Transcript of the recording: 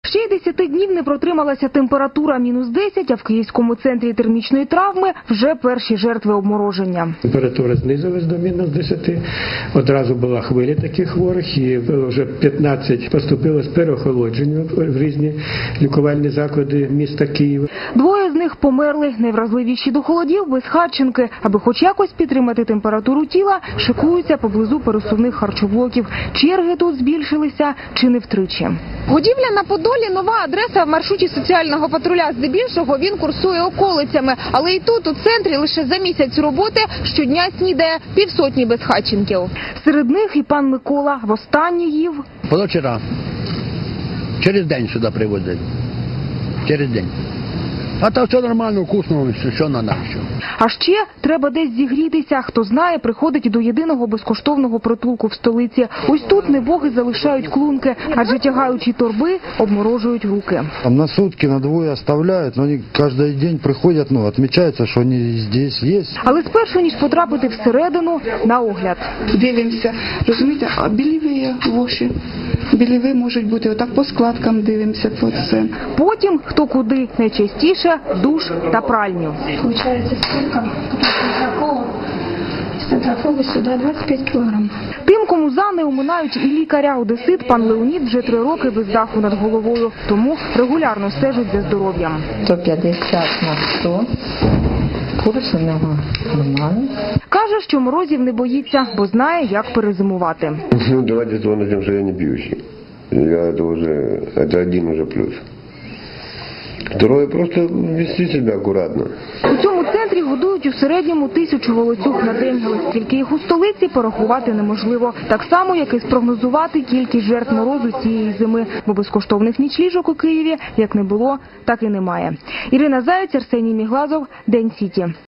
Ще й 10 днів не протрималася температура -10, а в Київському центрі термічної травми вже перші жертви обмороження. Температура знизилась до -10, одразу була хвиля таких хворих і вже 15 поступило з переохолодженням в різні лікувальні заклади міста Києва. 2 з них померли, найвразливіші до холодів, безхатченки. Аби хоч якось підтримати температуру тіла, шикуються поблизу пересувних харчоблоків. Черги тут збільшилися чи не втричі. Годівля на Подолі – нова адреса в маршруті соціального патруля. Здебільшого він курсує околицями. Але і тут, у центрі, лише за місяць роботи щодня снідає півсотні безхатченків. Серед них і пан Микола. Востаннє їв позавчора. Через день сюди привозять. Через день. А то все нормально, вкусно, що на нас. А ще треба десь зігрітися. Хто знає, приходить до єдиного безкоштовного притулку в столиці. Ось тут небоги залишають клунки, адже тягаючи торби, обморожують руки. Там на сутки, на двоє оставляють, но вони кожен день приходять, відмічається, що вони тут є. Але спершу, ніж потрапити всередину, на огляд. Дивимося, розумієте, а біліві воші. Біліви можуть бути, отак по складкам дивимося по це. Потім, хто куди, найчастіше душ та пральню. Получается столько, с центрофола сюда 25 килограмм. Тим, кому за не оминають і лікаря-одесит, пан Леонід вже 3 роки без даху над головою, тому регулярно стежить за здоров'ям. 150 на 100. Курс у нього нормальний. Каже, що морозів не боїться, бо знає, як перезимувати. Ну, давайте тем, что я не пьющий. Это один уже плюс. Второе, просто вести себя аккуратно. У цьому центрі годують у середньому 1000 волоцюг на день, але скільки їх у столиці порахувати неможливо. Так само, як і спрогнозувати кількість жертв морозу цієї зими, бо безкоштовних нічліжок у Києві як не було, так і немає. Ірина Заєць, Арсеній Міглазов, День Сіті.